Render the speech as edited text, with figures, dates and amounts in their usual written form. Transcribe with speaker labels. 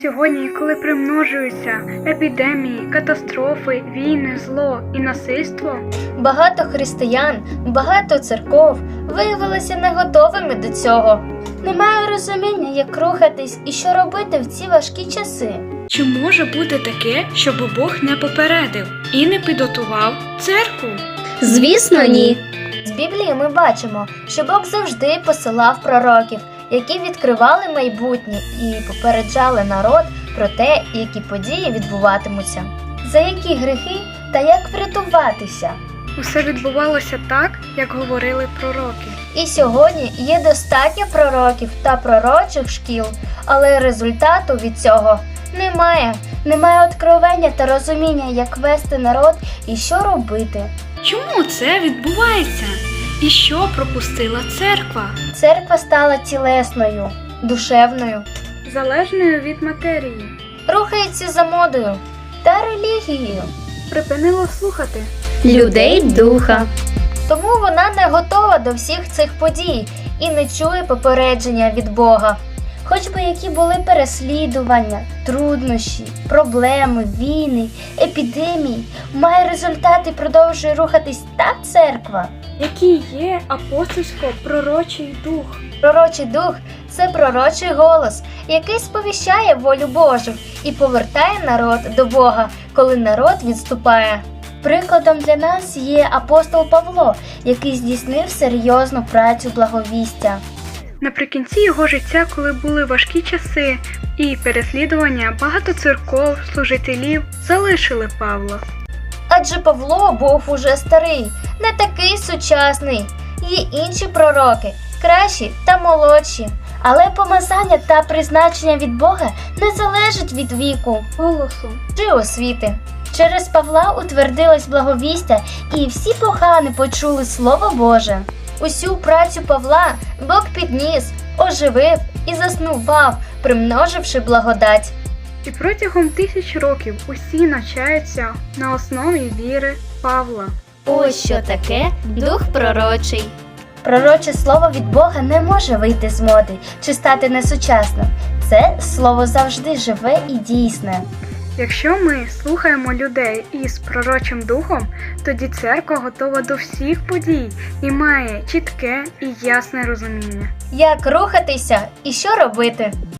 Speaker 1: Сьогодні, коли примножуються епідемії, катастрофи, війни, зло і насильство,
Speaker 2: багато християн, багато церков виявилися не готовими до цього. Немає розуміння, як рухатись і що робити в ці важкі часи.
Speaker 1: чи може бути таке, щоб Бог не попередив і не підготував церкву?
Speaker 2: Звісно, ні. З Біблії ми бачимо, що Бог завжди посилав пророків, які відкривали майбутнє і попереджали народ про те, які події відбуватимуться, за які гріхи та як врятуватися.
Speaker 1: Усе відбувалося так, як говорили пророки.
Speaker 2: І сьогодні є достатньо пророків та пророчих шкіл, але результату від цього немає. Немає откровення та розуміння, як вести народ і що робити.
Speaker 1: Чому це відбувається? І що пропустила церква?
Speaker 2: Церква стала тілесною, душевною,
Speaker 1: Залежною від матерії.
Speaker 2: рухається за модою та релігією.
Speaker 1: Припинила слухати.
Speaker 2: Людей духа. Тому вона не готова до всіх цих подій і не чує попередження від Бога. Хоч би які були переслідування, труднощі, проблеми, війни, епідемії, має результат і продовжує рухатись та церква.
Speaker 1: Який є апостольсько-пророчий дух?
Speaker 2: Пророчий дух – це пророчий голос, який сповіщає волю Божу і повертає народ до Бога, коли народ відступає. Прикладом для нас є апостол Павло, який здійснив серйозну працю благовістя.
Speaker 1: Наприкінці його життя, коли були важкі часи і переслідування, багато церков, служителів залишили Павла.
Speaker 2: Адже Павло був уже старий, не такий сучасний. Є інші пророки, кращі та молодші. Але помазання та призначення від Бога не залежить від віку,
Speaker 1: Голосу.
Speaker 2: чи освіти. Через Павла утвердилось благовістя, і всі погани почули Слово Боже. Усю працю Павла Бог підніс, оживив і заснував, примноживши благодать.
Speaker 1: І протягом 1000 років усі навчаються на основі віри Павла.
Speaker 2: Ось що таке дух пророчий. Пророче слово від Бога не може вийти з моди чи стати несучасним. Це слово завжди живе і дійсне.
Speaker 1: Якщо ми слухаємо людей із пророчим духом, тоді церква готова до всіх подій і має чітке і ясне розуміння.
Speaker 2: Як рухатися і що робити?